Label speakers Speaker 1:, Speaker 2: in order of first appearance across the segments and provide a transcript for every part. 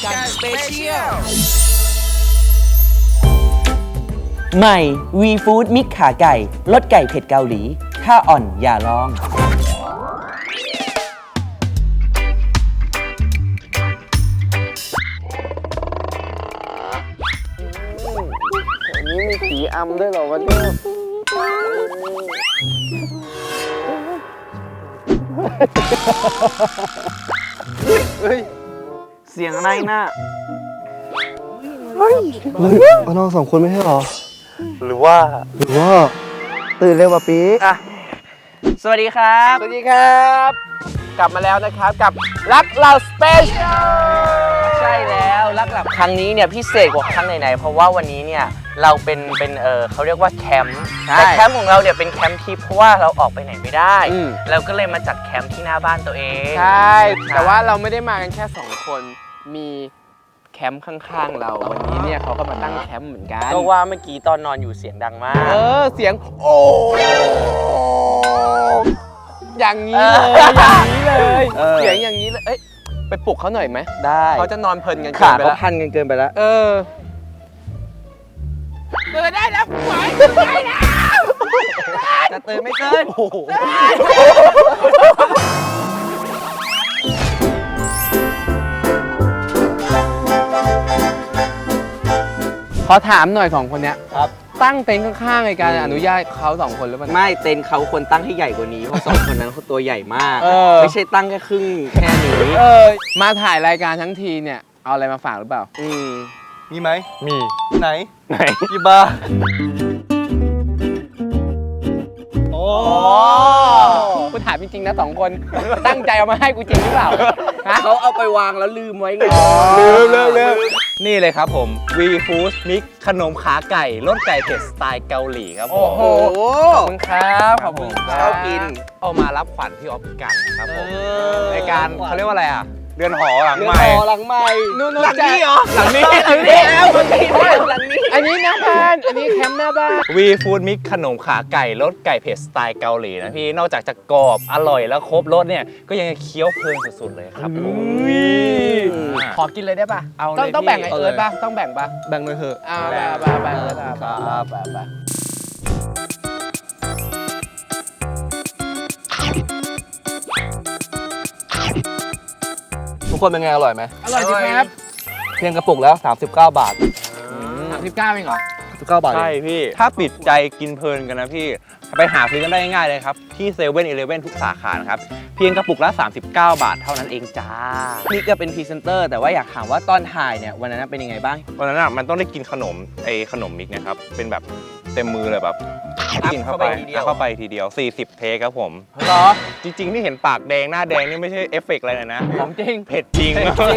Speaker 1: กันสเปเชียล
Speaker 2: ใหม่ วีฟู้ดมิกขาไก่รสไก่เผ็ดเกาหลีถ้าอ่อนอย่าลอง
Speaker 3: นี่มีผีอำด้วยเหรอวะเนี่ยเฮ้ยเสียงอะไรน่ะเฮ้ยน้องสองคนไม่ใช่หรอหรือว่าตื่นเร็วป่ะปีอ่ะ
Speaker 2: สวัสดีครับ
Speaker 3: สวัสดีครับ กลับมาแล้วนะครับกับรักเราสเปเชียล
Speaker 2: ใช่แล้วรักหลับครั้งนี้เนี่ยพิเศษกว่าครั้งไหนๆเพราะว่าวันนี้เนี่ยเราเป็นเขาเรียกว่าแคมป์แต่แคมป์ของเราเนี่ยเป็นแคมป์ทิพย์เพราะว่าเราออกไปไหนไม่ได้เราก็เลยมาจัดแคมป์ที่หน้าบ้านตัวเอง
Speaker 3: ใช่แต่ว่าเราไม่ได้มากันแค่2คนมีแคมป์ข้างๆเราวันนี้เนี่ยเขาก็มาตั้งแคมป์เหมือนกัน
Speaker 2: ก็ว่าเมื่อกี้ตอนนอนอยู่เสียงดังมาก
Speaker 3: เสียงโอ้อย่างนี้เลยเสียงอย่างนี้เลยเอ้ยไปปลุกเขาหน่อยไหม
Speaker 2: ได้
Speaker 3: เขาจะนอนเพลินกัน
Speaker 2: ขา
Speaker 3: ไป
Speaker 2: เขา
Speaker 3: แล้ว
Speaker 2: พันกันเกินไปแล้ว
Speaker 3: ตื่นได้แล้วหวยได้แล้ว
Speaker 2: จะตื่นไม่ตื่น
Speaker 3: ขอถามหน่อย2คนเนี้ย
Speaker 2: ครับ
Speaker 3: ตั้งเต็นท์ข้างๆในการอนุญาตเขา2คนหรือเปล่า
Speaker 2: ไม่เต็นท์เขาควรตั้งให้ใหญ่กว่านี้เพราะสองคนนั้นเขาตัวใหญ่มาก ไม่ใช่ตั้งแค่ครึ่งแค่นี้
Speaker 3: มาถ่ายรายการทั้งทีเนี่ยเอาอะไรมาฝากหรือเปล่า
Speaker 4: มีไหม
Speaker 3: มี
Speaker 4: ไหนหยิบมาโอ้
Speaker 3: กูถามจริงๆนะ2คนตั้งใจเอามาให้กูจริงหรือเปล่าฮะ
Speaker 2: เขาเอาไปวางแล้วลืมไว้ไง
Speaker 4: ลืมนี่เลยครับผม V Food Mix ขนมขาไก่รสไก่เผ็ดสไตล์เกาหลีครับผม
Speaker 3: โอ้โหขอบคุณครับขอบคุณ
Speaker 2: ชอบกิน
Speaker 4: เอามารับขวัญพี่ออฟกันครับผมในการเขาเรียกว่าอะไรอ่ะเรือนหอหลัง
Speaker 2: เรื
Speaker 4: ให
Speaker 2: อน
Speaker 4: ม่
Speaker 2: หอหลังใหม่
Speaker 3: นู่น
Speaker 2: หลังนี้เหรอ
Speaker 4: หลังนี้
Speaker 2: หลังนี้แล้วหลังนี้หลังนี้
Speaker 3: อันนี้หน้าบ้านอันนี้แคมป์หน้าบ้าน
Speaker 4: V Food Mix ขนมขาไก่รสไก่เผ็ดสไตล์เกาหลีนะพี่นอกจากจะกรอบอร่อยแล้วครบรสเนี่ยก็ยังเคี้ยวเพลินสุดๆเลยครับผม
Speaker 3: ขอกินเลยได้ป่ะ
Speaker 4: เอาเลย
Speaker 3: ต้องแบ่งไอ
Speaker 4: พี่
Speaker 3: เอิร์ธป่ะต้องแบ่งป่ะ
Speaker 4: แบ่งเลยเถอะ
Speaker 3: แบ่งเอิร์ธป่ะ
Speaker 4: ทุกคนเป็นไงอร่อยไหม
Speaker 3: อร่อยจริงครับ
Speaker 4: เพียงกระปุกแล้ว39 บาท
Speaker 3: 39เองเหรอ
Speaker 4: 19 บาทใช่พี่ถ้าปิดใจกินเพลินกันนะพี่ไปหาซื้อกันได้ง่ายๆเลยครับที่7 e เ e ่ e อทุกสาขานะครับเพียงกระปุกละ39 บาทเท่านั้นเองจ้า
Speaker 2: นี่ก็เป็นพรีเซนเตอร์แต่ว่าอยากถามว่าตอนถ่ายเนี่ยวันนั้นเป็นยังไงบ้าง
Speaker 5: วันนั้นอ่ะมันต้องได้กินขนมขนมมิกนะครับเป็นแบบเต็มมือเลยแบบกินเข้าไป
Speaker 2: เข้าไปทีเดียว
Speaker 5: เข้าไปทีเดียว40 เทคครับผม
Speaker 3: เหรอ
Speaker 5: จริงๆที่เห็นปากแดงหน้าแดงนี่ไม่ใช่เอฟเฟกต์อะไรเลยนะ
Speaker 3: ของจริง
Speaker 5: เผ็ดจริง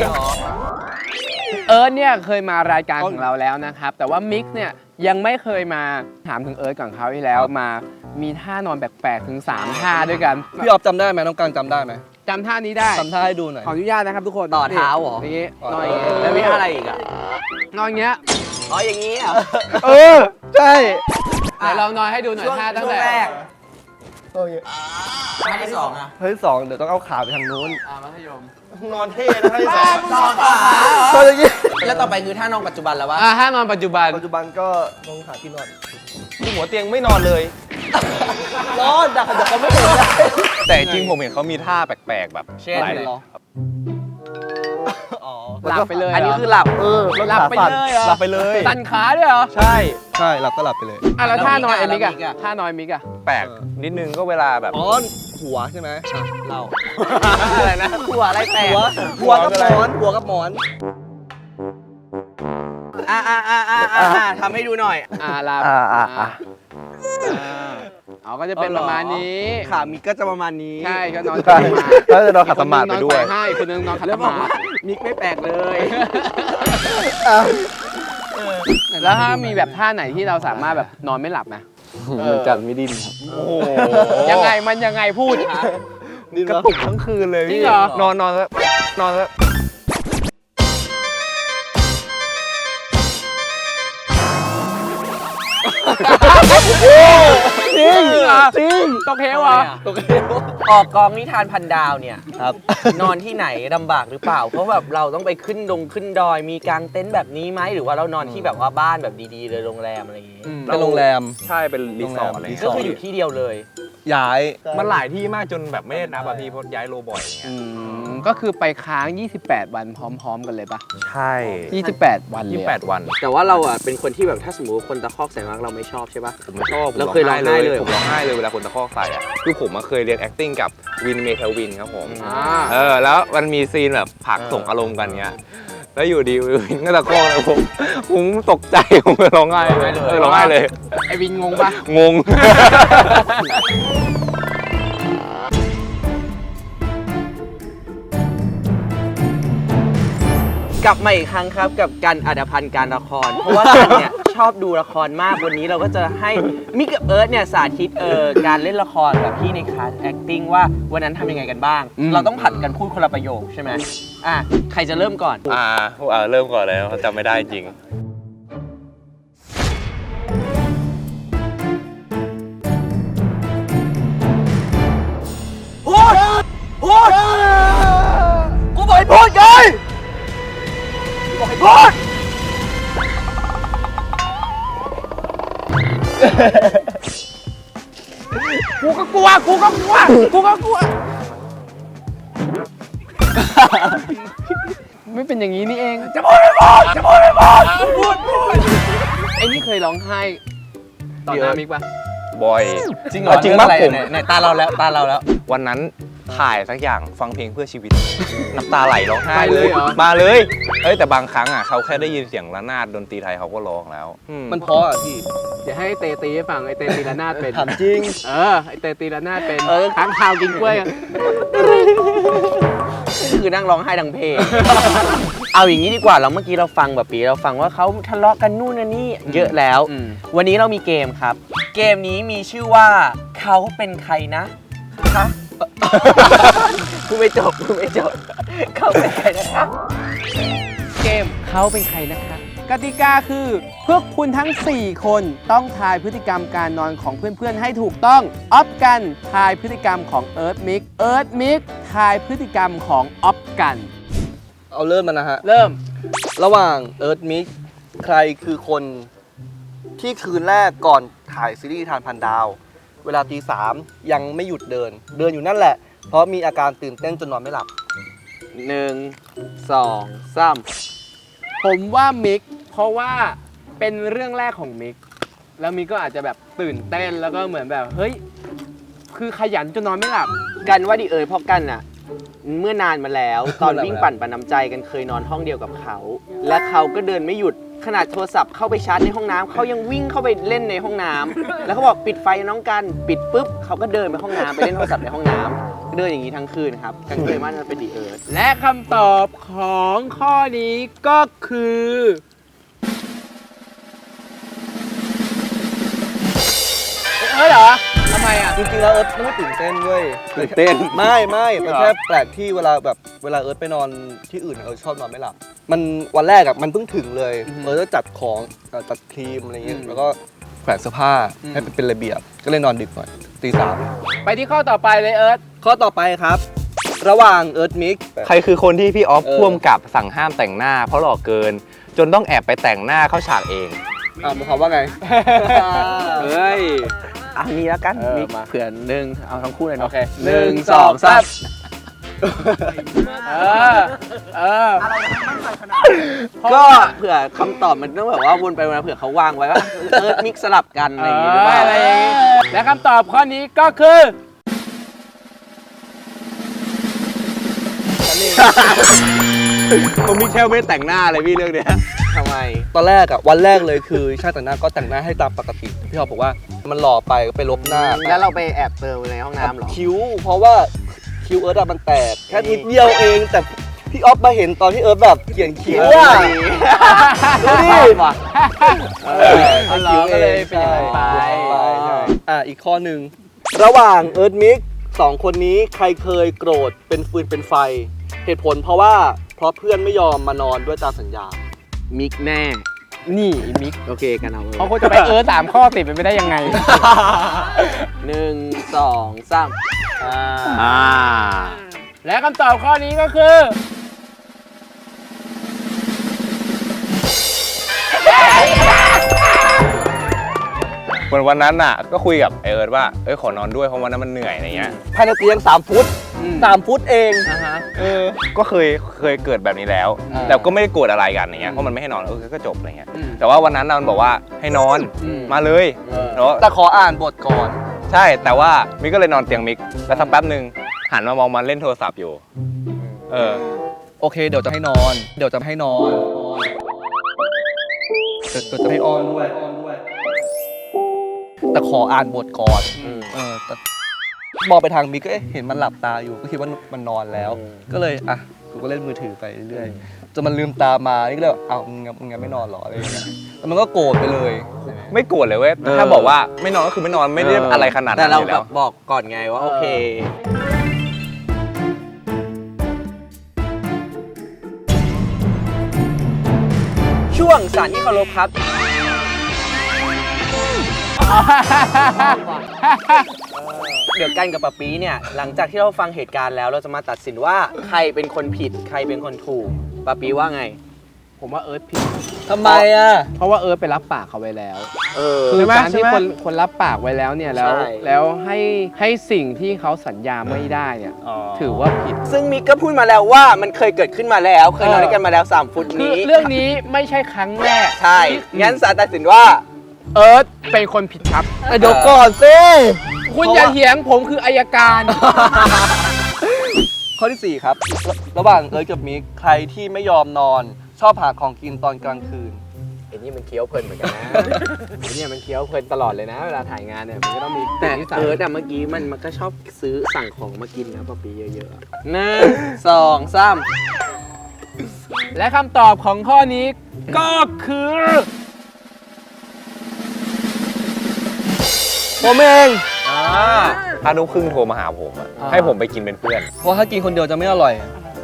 Speaker 3: เอิร์ธเนี่ยเคยมารายการของเราแล้วนะครับ แต่ว่ามิกซ์เนี่ยยังไม่เคยมาถามถึงเอิร์ธก่อนเขาที่แล้วมามีท่านอนแปลกๆถึง3ท่าด้วยกัน
Speaker 4: พี่ออฟจำได้ไหมน้องกังจำได้ไหม
Speaker 3: จำท่านี้ได้
Speaker 4: จำท่าให้ดูหน่อย
Speaker 3: ขออนุญาตนะครับทุกคน
Speaker 2: ต่อเท้าเหรอ
Speaker 3: อย่างงี้
Speaker 4: ต่อน
Speaker 3: อนอย่างงี้
Speaker 2: แล้วมีอะไรอีกอ่ะ
Speaker 3: นอนอย่างเงี้ย
Speaker 2: อ๋ออย่างนี้เหรอ
Speaker 4: ใช่
Speaker 3: ไหนลองนอนให้ดูหน่อยท่าตั้งแต่
Speaker 2: ท่าที่สองอ่ะ
Speaker 4: เฮ้ยสองเดี๋ยวต้องเอาขาไปทางนู้น
Speaker 3: มัธยม
Speaker 4: นอนเท่นะท่าที่สอง
Speaker 3: นอนขา
Speaker 4: ก็อย่างงี้
Speaker 2: แล้วต่อไปคือท่านองปัจจุบันแล้ววะ
Speaker 3: ท่านอนปัจจุบัน
Speaker 4: ปัจจุบันก็ลงขาที่นอน
Speaker 5: หัวเตียงไม่นอนเลย
Speaker 4: นอนดักเขาไม่เห็นได้
Speaker 5: แต่จริงผมเห็นเขามีท่าแปลกๆแบบ
Speaker 2: เช่น
Speaker 5: หลาย
Speaker 2: เหรอ
Speaker 4: อ๋อ
Speaker 3: หลับไปเลย
Speaker 2: อันนี้คือหลับ
Speaker 3: หลับไปเลยเหรอ
Speaker 5: หลับไปเลย
Speaker 3: ตันขาด้วยเหรอ
Speaker 4: ใช่ใช่หลับก็หลับไปเลย
Speaker 3: แล้วท่านอนไอ้มิก
Speaker 2: แล้วมิก
Speaker 3: อะ
Speaker 2: อะ
Speaker 3: ท่านอนมิกอะ
Speaker 5: แปลกนิดนึงก็เวลาแบบ
Speaker 4: อ๋อหัวใช่ไหมเล่า
Speaker 2: อะไรนะหัวอะไรแตก
Speaker 4: หัวกับหมอนหัวกับหมอน
Speaker 2: ทำให้ดูหน่อย
Speaker 3: หลับเอาก็จะเป็นประมาณนี้
Speaker 2: ขามิกก็จะประมาณนี้
Speaker 3: ใช่ก็นอน
Speaker 4: ใช่แล้วจะนอนขัดสมาธิไปด้วย
Speaker 3: ใช่คนนึงนอนขัดส
Speaker 2: แล้วบอก
Speaker 3: มา
Speaker 2: ว่า
Speaker 3: ธิ
Speaker 2: มิกไม่แปลกเลย
Speaker 3: แล้วถ้ามีแบบท่าไหนที่เราสามารถแบบนอนไม่หลับไหม
Speaker 4: เหมือนกันไม่ดิ้นครับ
Speaker 5: โอ้โห
Speaker 3: ยังไงมันยังไงพูด
Speaker 4: ดิ้น
Speaker 5: กระตุกทั้งคืนเลย
Speaker 3: จริ
Speaker 5: พี่
Speaker 3: งเหรอ
Speaker 5: นอนแล้วนอนแล้ว
Speaker 3: นี่จริง
Speaker 4: ตกเหวเหรอ
Speaker 2: ออกกองนิทานพันดาวเนี่ย
Speaker 3: ครับ
Speaker 2: นอนที่ไหนลำบากหรือเปล่า เพราะแบบเราต้องไปขึ้นดอยมีกางเต็นท์แบบนี้ไหมหรือว่าเรานอนที่แบบว่าบ้านแบบดีๆเลยโรงแรมอะไรอย่างงี้
Speaker 3: เป็นโรงแรม
Speaker 5: ใช่เป็นรีสอร์ทอะไร
Speaker 2: ก็คืออยู่ที่เดียวเลย
Speaker 3: ย้าย
Speaker 5: มันหลายที่มากจนแบบไม่ได้นับอะพี่เพราะย้ายโลบ่อยอย่างเงี้ย
Speaker 1: ก็คือไปค้าง 28 วันพร้อมๆกันเลยปะ
Speaker 5: ใช่
Speaker 1: 28 วันเลยอะ
Speaker 5: 28 วัน
Speaker 2: แต่ว่าเราอ่ะเป็นคนที่แบบถ้าสมมติว่าคนตะคอกใส่มากเราไม่ชอบใช่ปะ
Speaker 5: ผมไม่ชอบ
Speaker 2: แล้วเคยร้องไห้เลย
Speaker 5: ผมร้องไห้เลยเวลาคนตะคอกใส่อะคือผมมาเคยเรียน acting กับวินเมทัลวินครับผม แล้วมันมีซีนแบบผลักส่งอารมณ์กันเงี้ยแล้วอยู่ดีวินก็ตะคอกนะผมตกใจผมก็ร้องไห้เลยร้องไห้เลย
Speaker 1: ไอวินงงปะ
Speaker 5: งง
Speaker 2: กลับมาอีกครั้งครับกับการอัดพันธ์การละคร เพราะว่ากันเนี่ยชอบดูละครมากวันนี้เราก็จะให้มิกกับเอิร์ธเนี่ยสาธิตการเล่นละครแบบพี่ในคลาส acting ว่าวันนั้นทำยังไงกันบ้าง เราต้องผัดกันพูดคนละประโยคใช่ไหมใครจะเริ่มก่อน
Speaker 5: เริ่มก่อนเลยเพราะจำไม่ได้จริง
Speaker 2: พูดกูบอกให้พูดไงบอกให้พูด
Speaker 1: กูก็กลัว ไม่เป็นอย่างนี้นี่เอง
Speaker 2: จะพูดไม่พูดจะพูดไม่พูดพูด
Speaker 1: ไอ้นี่เคยร้องไห้ต่อหน้ามิกปะ
Speaker 5: บ่อย
Speaker 2: จริงเหรอ
Speaker 5: จริงมากผม
Speaker 2: ไหนตาเราแล้ว
Speaker 5: วันนั้นถ่ายสักอย่างฟังเพลงเพื่อชีวิต น้ำตาไหลร้องไห้
Speaker 1: ไปเลยเหรอ
Speaker 5: มาเลยแต่บางครั้งอ่ะเขาแค่ได้ยินเสียงระนาดดนตรีไทยเขาก็ร้องแล้ว
Speaker 3: มันเพราะอ่ะพี่
Speaker 1: เดี๋ยวให้เตตีให้ฟังไอเตตีละนาดเป็น
Speaker 3: ถามจริง
Speaker 1: ไอเตตีละนาดเป็นค้างคาวกินกล้วยอะ
Speaker 2: คือนั่งร้องไห้ดังเพลง เอาอย่างนี้ดีกว่าเราเมื่อกี้เราฟังแบบปีเราฟังว่าเขาทะเลาะกันนู่นนั่นนี่เยอะแล้ว วันนี้เรามีเกมครับ เกมนี้มีชื่อว่าเขาเป็นใครนะคะพูดไม่จบเขาเป็นใครนะคะ
Speaker 1: เกมเขาเป็นใครนะคะ กติกาคือพวกคุณทั้ง 4 คนต้องทายพฤติกรรมการนอนของเพื่อนๆให้ถูกต้องออฟกันทายพฤติกรรมของเอิร์ธมิกทายพฤติกรรมของออฟกัน
Speaker 3: เอาเริ่มมันนะฮะ
Speaker 1: เริ่ม
Speaker 3: ระหว่างเอิร์ธมิกใครคือคนที่คืนแรกก่อนถ่ายซีรีส์ทานพันดาว เวลาตี 3ยังไม่หยุดเดินอยู่นั่นแหละ เพราะมีอาการตื่นเต้นจนนอนไม่หลับ
Speaker 1: 1 2 3 ผมว่ามิกเพราะว่าเป็นเรื่องแรกของมิกแล้วมิกก็อาจจะแบบตื่นเต้นแล้วก็เหมือนแบบเฮ้ยคือขยันจนนอนไม่หลับ
Speaker 2: กันว่าดิเอ๋ยเพราะกันน่ะเมื่อนานมาแล้ว ตอนวิ่งปั่นปันน้ำใจกันเคยนอนห้องเดียวกับเขา และเขาก็เดินไม่หยุดขนาดโทรศัพท์เข้าไปชาร์จในห้องน้ำเขายังวิ่งเข้าไปเล่นในห้องน้ำแล้วเขาบอกปิดไฟน้องกันปิดปุ๊บเขาก็เดินไปห้องน้ำไปเล่นโทรศัพท์ในห้องน้ำเดินอย่างนี้ทั้งคืนครับกันเคยมั่นว่าเป็นดิเอ๋ย
Speaker 1: และคำตอบของข้อนี้ก็คือเหรอทำไมอ่ะ
Speaker 3: จริงๆแล้วเอิร์ธไม่ได้ตื่นเต้นเว้ย
Speaker 5: ตื่นเต้น
Speaker 3: ไม่มันแค่แปลกที่เวลาเอิร์ธไปนอนที่อื่นเอิร์ธชอบนอนไม่หลับมันวันแรกอ่ะมันเพิ่งถึงเลยเอิร์ธก็จัดของจัดครีมอะไรเงี้ยแล้วก็แขวนเสื้อผ้าให้เป็นระเบียบก็เลยนอนดึกหน่อยตี 3
Speaker 1: ไปที่ข้อต่อไปเลยเอิร์ธ
Speaker 3: ข้อต่อไปครับ ระหว่างเอิร์ธมิก
Speaker 5: ใครคือคนที่พี่ออฟพ่วงกับสั่งห้ามแต่งหน้าเพราะหล่อเกิน จนต้องแอบไปแต่งหน้าเข้าฉากเอง
Speaker 3: มันคำว่าไง
Speaker 1: เฮ้ย
Speaker 2: เอานี้แล้วกัน
Speaker 1: มี
Speaker 2: มีเผื่อหนึ่งเอาทั้งคู่เลย
Speaker 1: โอ
Speaker 2: เนาะ
Speaker 1: เค1 2 3
Speaker 2: ก็เผื่อคำตอบมันต้องแบบว่าวนไปวนมาเผื่อเขาวางไว้ว่าเอิร์ธมิกสลับกันอะไรอย่างงี้หรือเปล่า
Speaker 1: อะไรอย่างงี้และคำตอบข้อนี้ก็คือ
Speaker 5: ผมมีแค่ไม่แต่งหน้าเลยพี่เรื่องเนี้ย
Speaker 2: ทำไม
Speaker 3: ตอนแรกอ่ะวันแรกเลยคือช่างแต่งหน้าก็แต่งหน้าให้ตามปกติพี่ออฟบอกว่ามันหล่อไปก็ไปลบหน้า
Speaker 2: แล้วเราไปแอบเติมในห้องน้ำเหรอ
Speaker 3: คิ้วเพราะว่าคิ้วเอิร์ธอะมันแตกแค่นิดเดียวเอง แต่พี่ออฟมาเห็นตอนที่เอิร์ธแบบเขียนคิ้วอ่ะดูดิ
Speaker 1: เอาเหรอก็เลยเป็นอย่างนั้นไป
Speaker 3: อีกข้อหนึ่งระหว่างเอิร์ธมิกสองคนนี้ใครเคยโกรธเป็นฟืนเป็นไฟ เหตุผลเพราะเพื่อนไม่ยอมมานอนด้วยตามสัญญา
Speaker 2: มิกแน่
Speaker 1: นี่อีมิก
Speaker 2: โอเคกันเอา
Speaker 1: เขาควรจะไป3 ข้อติดไปไม่ได้ยังไง
Speaker 2: 1 2 3
Speaker 1: และคำตอบข้อนี้ก็คือ
Speaker 5: วันนั้นน่ะก็คุยกับไอเอิร์ธว่าขอนอนด้วยเพราะวันนั้นมันเหนื่อยอะไรเงี้ย
Speaker 3: ภายในเตียง3 ฟุต 3 ฟุตเอง
Speaker 5: ก็เคยเกิดแบบนี้แล้ว แต่ก็ไม่ได้โกรธอะไรกันอย่างเงี้ยเพราะมันไม่ให้นอนก็จบอะไรเงี้ยแต่ว่าวันนั้นน่ะมันบอกว่าให้นอนมาเลยแล้ว
Speaker 3: แต่ขออ่านบทก่อน
Speaker 5: ใช่แต่ว่ามิกก็เลยนอนเตียงมิกแล้วสักแป๊บหนึ่งหันมามองมันเล่นโทรศัพท์อยู่
Speaker 3: โอเคเดี๋ยวจะให้นอน เดี๋ยวจะให้อ้อนด้วย แต่ขออ่านบทก่อนแต่มองไปทางมิกก็เห็นมันหลับตาอยู่ก็คิดว่ามันนอนแล้ว ก็เลยกูก็เล่นมือถือไปเรื่อยๆจนมันลืมตามานี่ก็เลยมึงงั้นไม่นอนหรออะไรอย่างเงี้ยแล้วมันก็โกรธไปเลย
Speaker 5: ไม่โกรธเลยเว้ยถ้าบอกว่าไม่นอนก็คือไม่นอนไม่ได้อะไรขนาดนั้น
Speaker 2: แต่เรา
Speaker 5: อยู่
Speaker 2: แบ
Speaker 5: แล้ว
Speaker 2: บบอกก่อนไงว่าโอเค ช่วงสารที่เคารพครับ เดี๋ยวกันกับปะปีเนี่ยหลังจากที่เราฟังเหตุการณ์แล้วเราจะมาตัดสินว่าใครเป็นคนผิดใครเป็นคนถูกปะปีว่าไง
Speaker 1: ผมว่าเอิร์ธผิด
Speaker 3: ทำไมอ่ะ
Speaker 1: เพราะว่าเอิร์ธไปรับปากเขาไว้แล้ว
Speaker 2: คื
Speaker 1: คือ
Speaker 2: อ
Speaker 1: การที่
Speaker 2: ใช่ไหม
Speaker 1: คนรับปากไว้แล้วเนี่ยแล้ว
Speaker 2: ใช่
Speaker 1: แล้วให้สิ่งที่เขาสัญญาไม่ได้เนี่ยถือว่าผิด
Speaker 2: ซึ่งมิกก็พูดมาแล้วว่ามันเคยเกิดขึ้นมาแล้ว เคยนอนด้วยกันมาแล้ว3 ฟุต
Speaker 1: คือ
Speaker 2: นี้
Speaker 1: เรื่องนี้ไม่ใช่ครั้งแรก
Speaker 2: ใช่งั้นศาลตัดสินว่า
Speaker 1: เอิร์ธเป็นคนผิดครับ
Speaker 3: แต่เดี๋ยวก่อนสิ
Speaker 1: คุณอย่าเถียงผมคืออายการ
Speaker 3: ข้อที่ 4 ครับ ระหว่างเอิร์ธกับมิกใครที่ไม่ยอมนอน ชอบหาของกินตอนกลางคืน
Speaker 1: ไอ้นี่มันเคี้ยวเพลินเหมือนกันนะไอ้เนี่ยมันเคี้ยวเพลินตลอดเลยนะ เวลาถ่ายงานเนี่ยมันก็ต้องมี
Speaker 2: แต่
Speaker 1: นิสัย
Speaker 2: แต่เมื่อกี้มันก็ชอบซื้อสั่งของมากินนะปะปีเยอะๆ1 2 3
Speaker 1: และคำตอบของข้อนี้ก็คือ
Speaker 3: ผมเอง
Speaker 5: ถ้านุครึ่งโทรมาหาผมอะให้ผมไปกินเป็นเพื่อน
Speaker 3: เพราะถ้ากินคนเดียวจะไม่อร่อย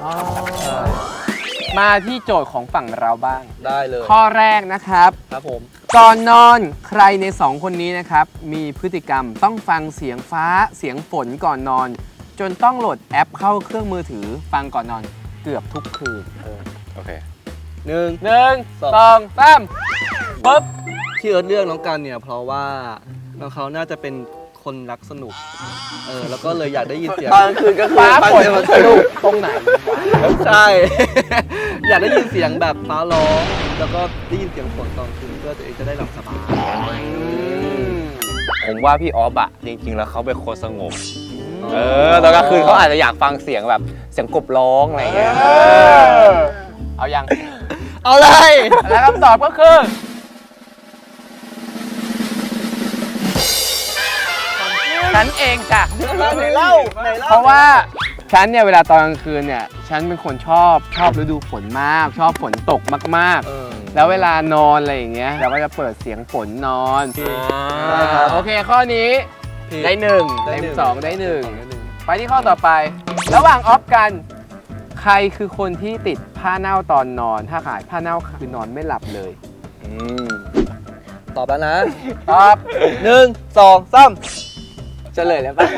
Speaker 1: มาที่โจทย์ของฝั่งเราบ้าง
Speaker 3: ได้เลย
Speaker 1: ข้อแรกนะครับ
Speaker 3: ครับผม
Speaker 1: ก่อนนอนใครใน2 คนนี้นะครับ มีพฤติกรรมต้องฟังเสียงฟ้าเสียงฝนก่อนนอน จนต้องโหลดแอปเข้าเครื่องมือถือฟังก่อนนอนเกือบทุกคืน
Speaker 5: โอเค
Speaker 3: 1
Speaker 1: 1 2 3ปุ๊บ
Speaker 3: ที่เอิร์ธเลือกน้องกันเนี่ยเพราะว่าน้องเขาน่าจะเป็นคนรักสนุก แล้วก็เลยอยากได้ยินเสียง
Speaker 2: ตอนกลางคืนก็คือ
Speaker 1: ฟ้า
Speaker 2: ฟัง
Speaker 1: ฝน
Speaker 2: เสียง
Speaker 1: สนุกตรงไหน
Speaker 3: ใช่ อยากได้ยินเสียงแบบฟ้าร้อง แล้วก็ได้ยินเสียงฝนตอนคืนเพื่อตัวเองจะได้หลับสบาย
Speaker 5: ผมว่าพี่ออฟอะจริงๆแล้วเขาเป็นคนสงบตอนกลางคืนเขาอาจจะอยากฟังเสียงแบบเสียงกบร้องอะไรเงี้ย
Speaker 1: เอายัง
Speaker 3: เอาเลย
Speaker 1: และคำตอบก็คือฉันเองจ้ะ
Speaker 3: ไหนเล่า
Speaker 1: เพราะว่าฉันเนี่ยเวลาตอนกลางคืนเนี่ยฉันเป็นคนชอบฤดูฝนมาก ชอบฝนตกมากๆ แล้วเวลานอนอะไรอย่างเงี้ยเราก็จะเปิดเสียงฝนนอนโอเคข้อนี้ได้1เต็ม2ได้1ไปที่ข้อต่อไป ระหว่างออฟกันใครคือคนที่ติดผ้าเน่าตอนนอน ถ้าขายผ้าเน่าคือนอนไม่หลับเลย
Speaker 3: ตอบแล้วนะ
Speaker 1: ตอบ
Speaker 3: 1 2 3
Speaker 2: เฉลยแล้วปะ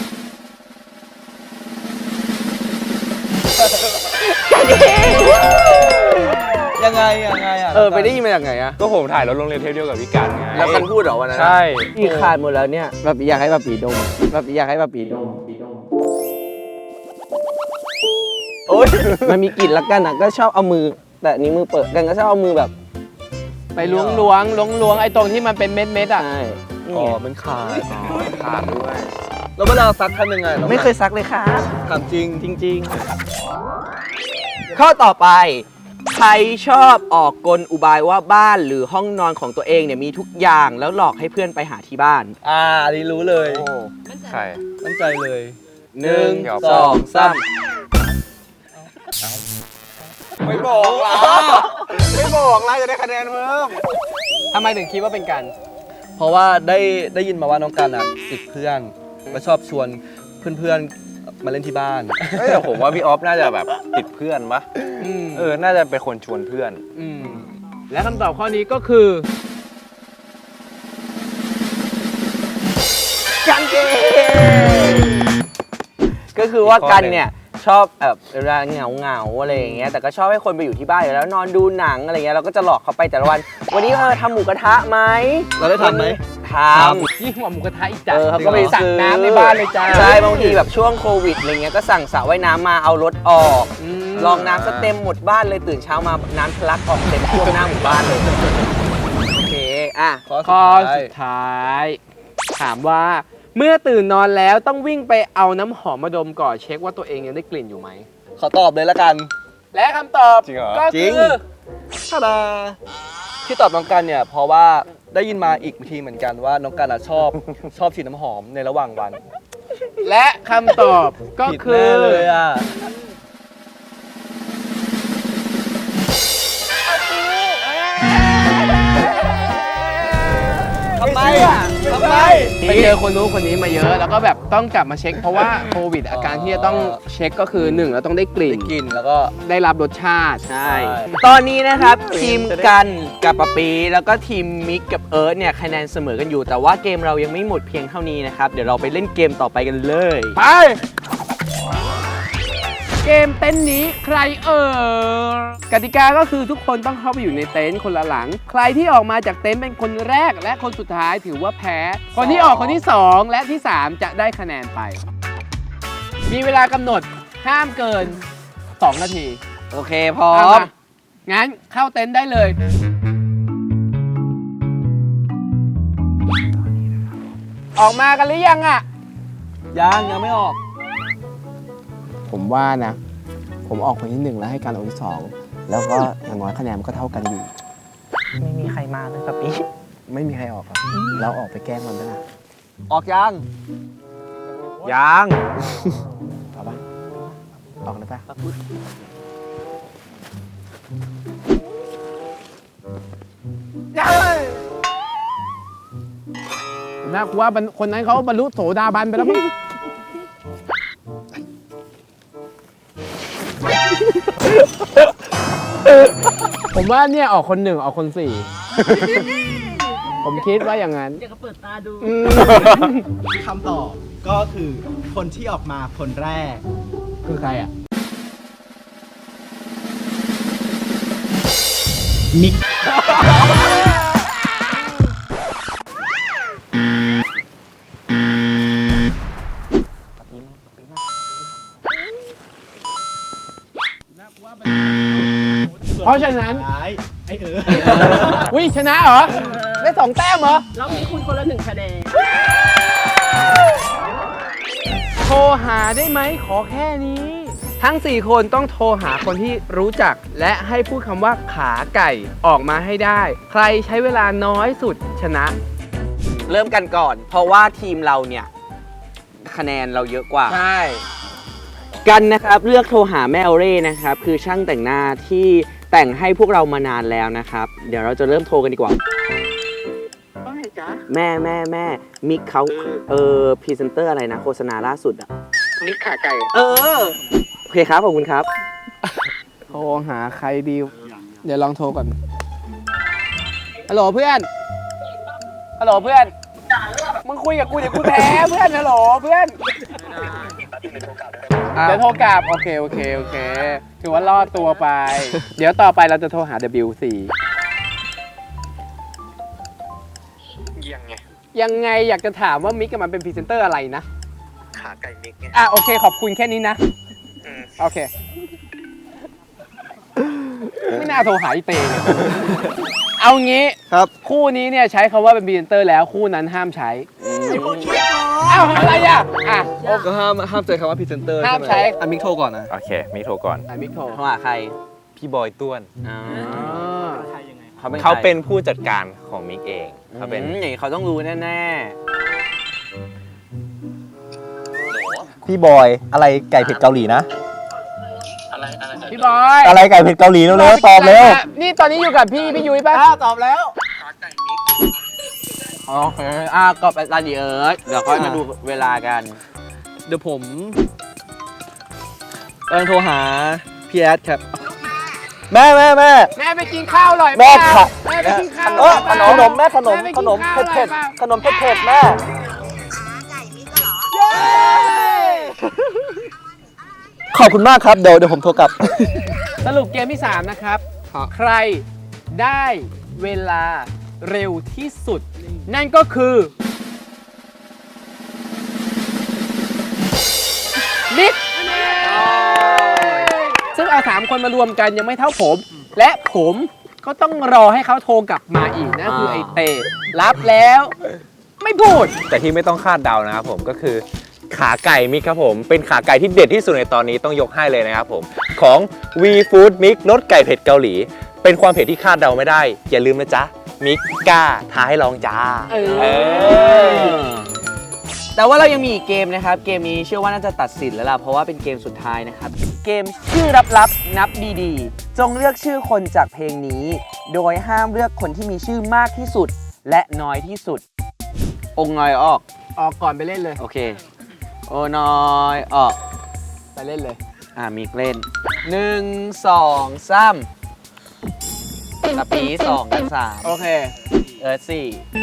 Speaker 3: ยังไงอ่ะ
Speaker 2: ไปได้ยินมาจากไหนอะ
Speaker 5: ก็ผมถ่ายรถโรงเรียนเทปเดียวกับพี่กันไง
Speaker 2: แล้วกันพูดเหรอวันนั้น
Speaker 5: ใช่
Speaker 2: พี่คานหมดแล้วเนี่ยแบบอยากให้แบบปีดมแบบอยากให้แบบปีดมโอ๊ยมันมีกลิ่นละกันอะก็ชอบเอามือ แต่อันนี้มือเปิดกันก็ชอบเอามือแบบ
Speaker 1: ไปล้วงไอ้ตรงที่มันเป็นเม็ดๆอ่ะ
Speaker 2: ใช่นี่
Speaker 3: อ๋อ
Speaker 2: ไง
Speaker 3: มันขาด
Speaker 5: ขาดด้วย
Speaker 3: แล้วเวลาซักทำยังไงน้อง
Speaker 2: ไม่เคยซักเลยค่ะ
Speaker 3: ถามจริง
Speaker 2: จริงๆ ข้อต่อไป ใครชอบออกกลอุบายว่าบ้านหรือห้องนอนของตัวเองเนี่ยมีทุกอย่างแล้วหลอกให้เพื่อนไปหาที่บ้าน
Speaker 3: อันนี้รู้เลย
Speaker 5: ใคร
Speaker 3: มั่นใจเลย
Speaker 2: 1 2 3
Speaker 5: ไม่บอกล่ะไม่บอกล่ะจะได้คะแนนเพิ่ม
Speaker 1: ทำไมถึงคิดว่าเป็นกัน
Speaker 3: เพราะว่าได้ยินมาว่าน้องกันติดเพื่อนและชอบชวนเพื่อนๆมาเล่นที่บ้าน
Speaker 5: แต่ผมว่าพี่ออฟน่าจะแบบติดเพื่อนปะน่าจะเป็นคนชวนเพื่อน
Speaker 1: และคำตอบข้อนี้ก็คือกันเกง
Speaker 2: ก็คือว่ากันเนี่ยชอบแบบเวลาเหงาอะไรอย่างเงี้ยแต่ก็ชอบให้คนไปอยู่ที่บ้านอยู่แล้วนอนดูหนังอะไรเงี้ยเราก็จะหลอกเขาไปแต่ละวัน วันนี้ทำหมูกระทะไหม
Speaker 3: เราได้ทำไหม
Speaker 2: ทำ
Speaker 1: ยิ่งกว่าหมูกระทะอีกจ้ะ
Speaker 2: เขาก็ไป
Speaker 1: สั่ง
Speaker 2: ซื้อ
Speaker 1: น้ำในบ้านเลยจ้า
Speaker 2: ใช่บางทีแบบช่วงโควิดอะไรเงี้ยก็สั่งสระว่ายน้ำมาเอารถออก ลองน้ำซะเต็มหมดบ้านเลยตื่นเช้ามาน้ำทะลักออกเต็มท่วมหน้าหมู่บ้านเลยโอเคอ่ะ
Speaker 1: ข้อสุดท้าย ถามว่าเมื่อตื่นนอนแล้วต้องวิ่งไปเอาน้ำหอมมาดมก่อนเช็คว่าตัวเองยังได้กลิ่นอยู่ไหม
Speaker 3: ขอตอบเลยละกัน
Speaker 1: และคำตอบ
Speaker 5: จริงเหรอ
Speaker 1: ก็
Speaker 3: จริ
Speaker 1: คื
Speaker 3: ง
Speaker 1: อ
Speaker 3: ท่าดาที่ตอบน้องกันเนี่ยเพราะว่าได้ยินมาอีกทีเหมือนกันว่าน้องกันชอบ ชอบฉีดน้ำหอมในระหว่างวัน
Speaker 1: และคำตอบก็
Speaker 3: ผิด
Speaker 1: คื
Speaker 3: แน่
Speaker 1: อ
Speaker 3: เลยอ่ะทำไมทำไม
Speaker 1: ไปเจอคนนู้นคนนี้มาเยอะ แล้วก็แบบต้องกลับมาเช็ค เพราะว่าโควิดอาการที่จะต้องเช็คก็คือ1เราต้องได้กลิ่น
Speaker 3: กินแล้วก็
Speaker 1: ได้รับรสชาติ
Speaker 2: ใช่ ตอนนี้นะครับทีมกันกับปะปีแล้วก็ทีมมิกกับเอิร์ธเนี่ยคะแนนเสมอกันอยู่ แต่ว่าเกมเรายังไม่หมดเพียงเท่านี้นะครับเดี๋ยวเราไปเล่นเกมต่อไปกันเลย
Speaker 1: ไป เกมเต็นท์นี้ใครกติกาก็คือทุกคนต้องเข้าไปอยู่ในเต็นท์คนละหลัง ใครที่ออกมาจากเต็นท์เป็นคนแรกและคนสุดท้ายถือว่าแพ้ คนที่ออกคนที่ 2 และที่ 3 จะได้คะแนนไป มีเวลากำหนดห้ามเกิน 2 นาที
Speaker 2: โอเคพร้อ
Speaker 1: เอา
Speaker 2: ม
Speaker 1: มางั้นเข้าเต็นท์ได้เลย ออกมากันหรือยังอ่ะ
Speaker 3: ยังไม่ออก
Speaker 1: ผมว่านะ ผมออกคนที่ 1 แล้วให้การออกที่ 2 แล้วก็อย่างน้อยคะแนนมันก็เท่ากันอยู่
Speaker 2: ไม่มีใครมาเลยปะปี
Speaker 1: ไม่มีใครออกครับเราออกไปแกล้งมันด้วยนะ
Speaker 3: ออกยัง
Speaker 2: ยัง
Speaker 1: เอาปะออกเลยปะน่ากลัวคนนั้นเขาบรรลุโสดาบันไปแล้วมั้ง ผมว่าเนี่ยออกคน 1 ออกคน 4 ผมคิดว่าอย่างนั้น
Speaker 6: อยากจะเปิดตาดู
Speaker 7: คำตอบก็คือคนที่ออกมาคนแรก
Speaker 1: คือใครอ่ะ
Speaker 7: มิก
Speaker 1: เพราะฉะนั้น
Speaker 7: ท้ายไอ
Speaker 1: วิชนะเหรอ ได้ 2 แต้มเหรอ
Speaker 6: รอบนี้คุณคนละ1 คะแนน
Speaker 1: โทรหาได้ไหมขอแค่นี้ ทั้ง 4 คนต้องโทรหาคนที่รู้จัก และให้พูดคำว่าขาไก่ออกมาให้ได้ ใครใช้เวลาน้อยสุดชนะ
Speaker 2: เริ่มกันก่อน เพราะว่าทีมเราเนี่ยคะแนนเราเยอะกว่า
Speaker 1: ใช่
Speaker 2: กันนะครับเลือกโทรหาแม่โอเร่นะครับคือช่างแต่งหน้าที่แต่งให้พวกเรามานานแล้วนะครับเดี๋ยวเราจะเริ่มโทรกันดีกว่าแม่มิกเขาพรีเซนเตอร์อะไรนะโฆษณาล่าสุดอะมิกขาไก่โอเคครับขอบคุณครับ
Speaker 1: โทรหาใครดี เดี๋ยวลองโทรก่อน ฮัลโหลเพื่อน ฮัลโหลเพื่อน มึงคุยกับกูเดี๋ยวกูแพ้เพื่อน ฮัลโหลเพื่อน เดี๋ยวโทรกลับ โอเคถือว่ารอดตัวไป เดี๋ยวต่อไปเราจะโทรหา WC ยังไงอยากจะถามว่ามิกกับมันเป็นพรีเซนเตอร์อะไรนะ
Speaker 2: ขาไก่มิกเนี่ย
Speaker 1: โอเคขอบคุณแค่นี้นะ โอเค ไม่น่าโทรหาอีเตเลยเอางี้
Speaker 3: ครับ
Speaker 1: คู่นี้เนี่ยใช้คำว่าเป็นพรีเซนเตอร์แล้วคู่นั้นห้ามใช้อ้าวอะไรอ่ะโอเค
Speaker 3: ก็ห้ามใจคำว่าพรีเซนเตอร์
Speaker 1: ห้ามใช้
Speaker 3: อ่ะมิกโทรก่อนนะ
Speaker 5: โอเค มิกโทรก่อน
Speaker 1: มิกโทร
Speaker 2: โทรหาใคร
Speaker 5: พี่บอยต้วน
Speaker 2: เขาเป็น
Speaker 5: เขาเป็นผู้จัดการของมิกเอง เขาเป็น
Speaker 2: อย่างนี้เขาต้องรู้แน่
Speaker 8: พี่บอยอะไรไก่เผ็ดเกาหลีนะ
Speaker 1: พี่บอย
Speaker 8: อะไรไก่เผ็ดเกาหลีเร็วๆตอบเร็ว
Speaker 1: นี่ตอนนี้อยู่กับพี่ยุ้ยป่ะ
Speaker 3: ตอบแล้ว
Speaker 2: ๆโอเคก็ไปตาดีเอิร์ธเดี๋ยวค่อยมาดูเวลากัน
Speaker 3: เดี๋ยวผมกำลังโทรหาพี่แอดครับ
Speaker 8: แม่
Speaker 1: แม่ไปกินข้าวอร่อย
Speaker 8: แม่
Speaker 1: เปล่า
Speaker 8: ค่ะ
Speaker 1: แม่ไปกินข้าว
Speaker 8: ขนมแม่ขนม
Speaker 1: แไป
Speaker 8: ข
Speaker 1: กิ
Speaker 8: นม
Speaker 1: ข้าว
Speaker 8: เผ็ด
Speaker 1: อร่อยปล่า
Speaker 8: ขนมเผ็ดแม่ ขอบคุณมากครับ เดี๋ยวผมโทรกลับ
Speaker 1: สรุปเกมที่ 3 นะครับ ใครได้เวลาเร็วที่สุด นั่นก็คือมิกซึ่งเอา 3 คนมารวมกันยังไม่เท่าผม และผมก็ต้องรอให้เขาโทรกลับมาอีกนะคือไอเต้รับแล้วไม่พูด
Speaker 5: แต่ที่ไม่ต้องคาดเดานะครับผมก็คือขาไก่มิกครับผมเป็นขาไก่ที่เด็ดที่สุดในตอนนี้ต้องยกให้เลยนะครับผมของ V Food Mix รสไก่เผ็ดเกาหลี เป็นความเผ็ดที่คาดเดาไม่ได้ อย่าลืมนะจ๊ะมิกกล้าท้าให้ลองจ้า
Speaker 2: แต่ว่าเรายังมีอีกเกมนะครับ เกมนี้เชื่อว่าน่าจะตัดสินแล้วล่ะ เพราะว่าเป็นเกมสุดท้ายนะครับ เกมชื่อลับๆนับดีๆ จงเลือกชื่อคนจากเพลงนี้ โดยห้ามเลือกคนที่มีชื่อมากที่สุดและน้อยที่สุด องค์น้อยออก
Speaker 1: ออกก่อนไปเล่นเลย
Speaker 2: โอเค โอน้อยออก
Speaker 1: ไปเล่นเลย
Speaker 2: มีเล่น 1 2 3ตะปี2กัน
Speaker 1: โอเค
Speaker 2: 3 4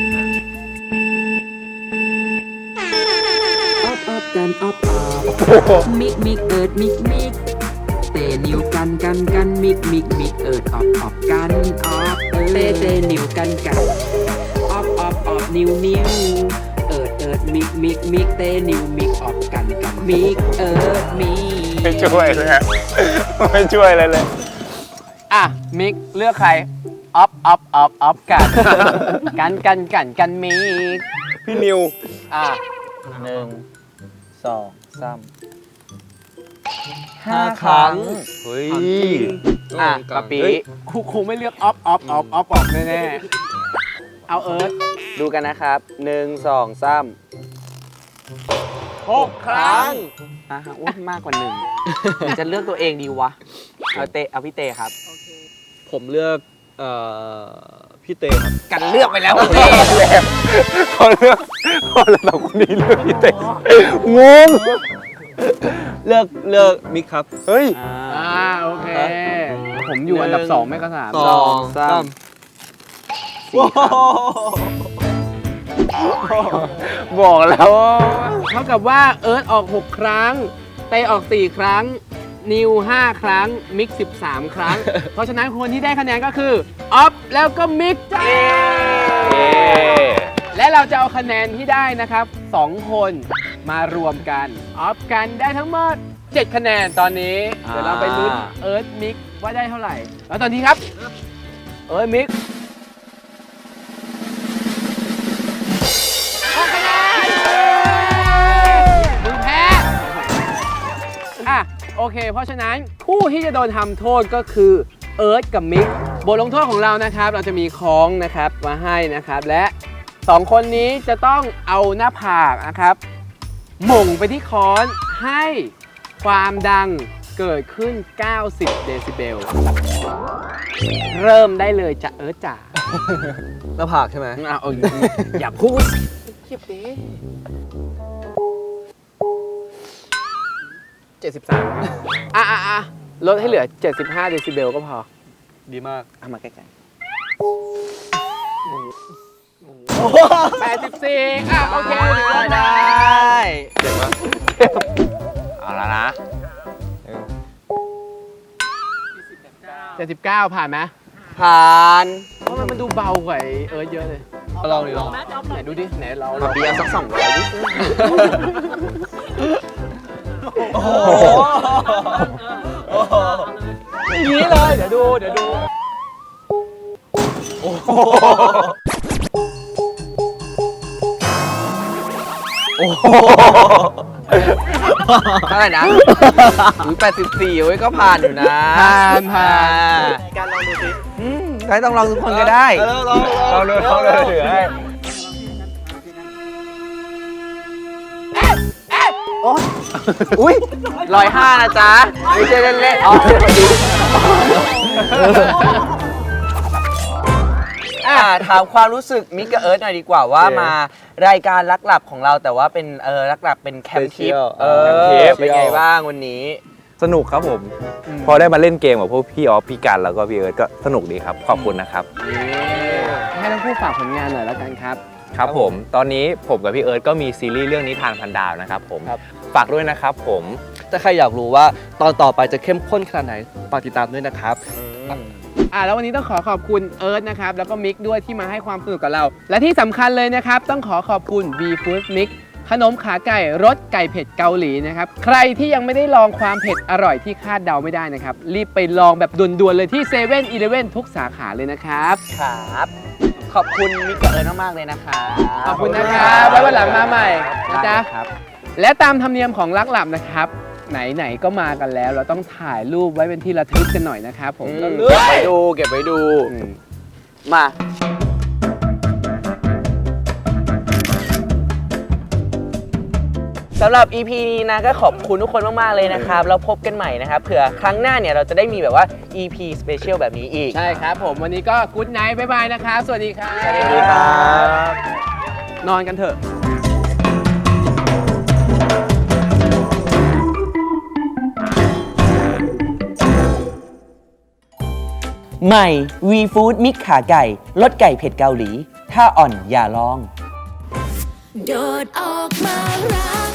Speaker 9: กันออฟมิกมิกเอิร์ดมิกมิกเตนิวกันมิกมิกมิกเอิร์ดออฟกันออฟเตนิวกันออฟนิวเอิร์ดมิกเตนิวมิกออฟกันมิกเอิร์ดมิก
Speaker 5: ไม่ช่วยเลยฮะไม่ช่วยอะไรเลย
Speaker 1: อ่ะ มิกเลือกใคร ออฟกัน กันมิก
Speaker 5: พี่นิว
Speaker 1: อ่ะ
Speaker 2: 1 2 3 5 ครั้ง
Speaker 5: เฮ้ย
Speaker 2: ปะปี
Speaker 1: คงไม่เลือกออฟแน่ๆ เอาเอิร์ธ
Speaker 2: ดูกันนะครับ 1 2 3
Speaker 1: 6 ครั้ง
Speaker 2: อุ้ยมากกว่า1หรือจะเลือกตัวเองดีวะ เอาพี่เตครับ
Speaker 8: ผมเลือกพี่เต้ครับ
Speaker 2: กันเลือกไปแล้วพี่เต
Speaker 5: เขาเลือกคนละสองคนนี้เลือกพี่เต้งง
Speaker 8: เลือกมิกครับ
Speaker 5: เฮ้ย
Speaker 1: โอเค ผมอยู่อันดับ 2 ไม่ก็ 3
Speaker 2: 2 3
Speaker 5: บอกแล้วว่า
Speaker 1: เท่ากับว่าเอิร์ธออก 6 ครั้ง เตออก 4 ครั้ง นิว 5 ครั้ง มิก 13 ครั้ง เพราะฉะนั้นคนที่ได้คะแนนก็คือ ออฟ แล้วก็มิกจ้า และเราจะเอาคะแนนที่ได้นะครับ 2 คนมารวมกัน ออฟกันได้ทั้งหมด 7 คะแนนตอนนี้ เดี๋ยวเราไปลุ้นเอิร์ธมิกว่าได้เท่าไหร่ แล้วตอนนี้ครับ เอิร์ธมิก6 คะแนนมึงแพ้อ่ะโอเค เพราะฉะนั้นผู้ที่จะโดนทำโทษก็คือเอิร์ธกับมิกบทลงโทษของเรานะครับ เราจะมีค้องนะครับมาให้นะครับ และ2 คนนี้จะต้องเอาหน้าผากนะครับหม่งไปที่ค้อนให้ความดังเกิดขึ้น 90 เดซิเบล เริ่มได้เลยจ้ะเอิร์ธจ๋า
Speaker 8: หน้าผากใช่ไหม
Speaker 1: อย่าพูดเก็บดิ73ลดให้เหลือ 75 เดซิเบลก็พอ
Speaker 8: ดีมาก
Speaker 2: เอามาใกล้ๆ
Speaker 1: 84โอเคถือว่าได้
Speaker 5: เอาละนะ
Speaker 1: 79 ผ่านไหม
Speaker 2: ผ่าน
Speaker 1: เพราะมันดูเบากว่าไอ้เอิร์ธเยอะเลย
Speaker 8: ลองดิลอง
Speaker 1: ไหนดูดิ ไหนเรา
Speaker 2: เบียร์สัก200ดิ
Speaker 1: อย่างนี้เลย เดี๋ยวดู
Speaker 2: เท่าไหร่นะ84เว้ยก็ผ่านอยู่นะ
Speaker 1: ผ่าน
Speaker 2: การลองดูสิใครต้องลองทุกคนก็ได้
Speaker 5: เอาเลยถือให้
Speaker 2: อุ้ย105นะจ๊ะ ไม่ใช่เล่นๆถามความรู้สึกมิกกับเอิร์ธหน่อยดีกว่าว่ามารายการลักหลับของเราแต่ว่าเป็นลักหลับเป็นแคมป์ทิปเป็นไงบ้างวันนี้
Speaker 8: ส
Speaker 5: สนุกครับผม พอได้มาเล่นเกมกับพวกพี่ออฟพี่กันแล้วก็พี่เอิร์ธก็สนุกดีครับขอบคุณนะครับ
Speaker 1: ให้ทั้งคู่ฝากผลงานหน่อยแล้วกันครับ
Speaker 5: ครับผมตอนนี้ผมกับพี่เอิร์ธก็มีซีรีส์เรื่องนิทานพันดาวนะครับผมฝากด้วยนะครับผม
Speaker 3: ถ้าใครอยากรู้ว่าตอนต่อไปจะเข้มข้นขนาดไหนฝากติดตามด้วยนะครับ
Speaker 1: แล้ววันนี้ต้องขอขอบคุณเอิร์ธนะครับแล้วก็มิกด้วยที่มาให้ความสนุกกับเรา และที่สำคัญเลยนะครับต้องขอขอบคุณ V Food Mix ขนมขาไก่รสไก่เผ็ดเกาหลีนะครับใครที่ยังไม่ได้ลองความเผ็ดอร่อยที่คาดเดาไม่ได้นะครับรีบไปลองแบบด่วนๆเลยที่7 e เ e ่ e อทุกสาขาเลยนะครับ
Speaker 2: ครับขอบคุณมิกกับเอิร์ธมากๆเลยนะคะ
Speaker 1: ขอบคุณนะครับไว้วันหลังมาใหม่นะจ๊ะและตามธรรมเนียมของลักหลับนะครับไหนๆก็มากันแล้ว เราต้องถ่ายรูปไว้เป็นที่ระทึกกันหน่อยนะครับผม
Speaker 2: เก็บไว้ดูมา สำหรับ EP นี้นะก็ขอบคุณทุกคนมากๆเลยนะครับแล้วพบกันใหม่นะครับเผื่อครั้งหน้าเนี่ยเราจะได้มีแบบว่า EP Special แบบนี้อีก
Speaker 1: ใช่ครับผมวันนี้ก็กู๊ดไนท์บ๊ายบายนะครับสวัสดีครับ
Speaker 2: สวัสดีครับ
Speaker 1: นอนกันเถอะ
Speaker 2: ใหม่ V Food มิกขาไก่รสไก่เผ็ดเกาหลี ถ้าอ่อนอย่าลอง
Speaker 10: โดดออกมารัก